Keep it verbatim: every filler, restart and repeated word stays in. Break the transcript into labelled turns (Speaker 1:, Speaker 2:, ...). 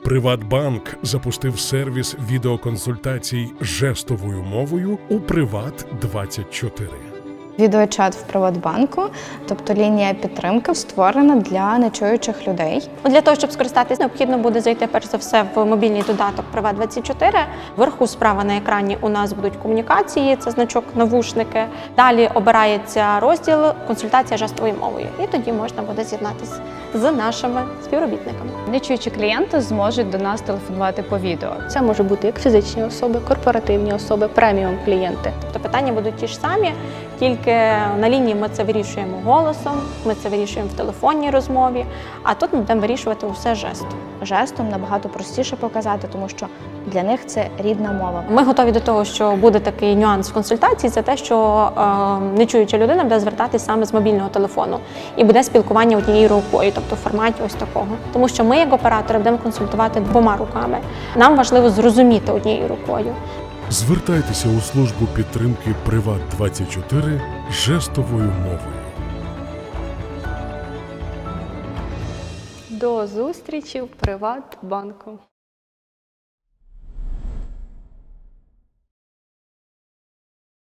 Speaker 1: Приватбанк запустив сервіс відеоконсультацій жестовою мовою у Приват двадцять чотири.
Speaker 2: Відеочат в Приватбанку, тобто лінія підтримки, створена для нечуючих людей.
Speaker 3: Для того, щоб скористатися, необхідно буде зайти перш за все в мобільний додаток Приват двадцять чотири. Вверху справа на екрані у нас будуть комунікації, це значок навушники. Далі обирається розділ консультація жестовою мовою. І тоді можна буде з'єднатися з нашими співробітниками.
Speaker 4: Нечуючі клієнти зможуть до нас телефонувати по відео.
Speaker 5: Це може бути як фізичні особи, корпоративні особи, преміум клієнти.
Speaker 3: Тобто питання будуть ті ж самі, тільки на лінії ми це вирішуємо голосом, ми це вирішуємо в телефонній розмові, а тут ми будемо вирішувати усе жестом.
Speaker 2: Жестом набагато простіше показати, тому що для них це рідна мова.
Speaker 3: Ми готові до того, що буде такий нюанс в консультації, це те, що е, нечуюча людина буде звертатись саме з мобільного телефону і буде спілкування однією рукою, тобто в форматі ось такого. Тому що ми, як оператори, будемо консультувати двома руками. Нам важливо зрозуміти однією рукою.
Speaker 1: Звертайтеся у службу підтримки Приват двадцять чотири жестовою мовою.
Speaker 5: До зустрічі в Приватбанку.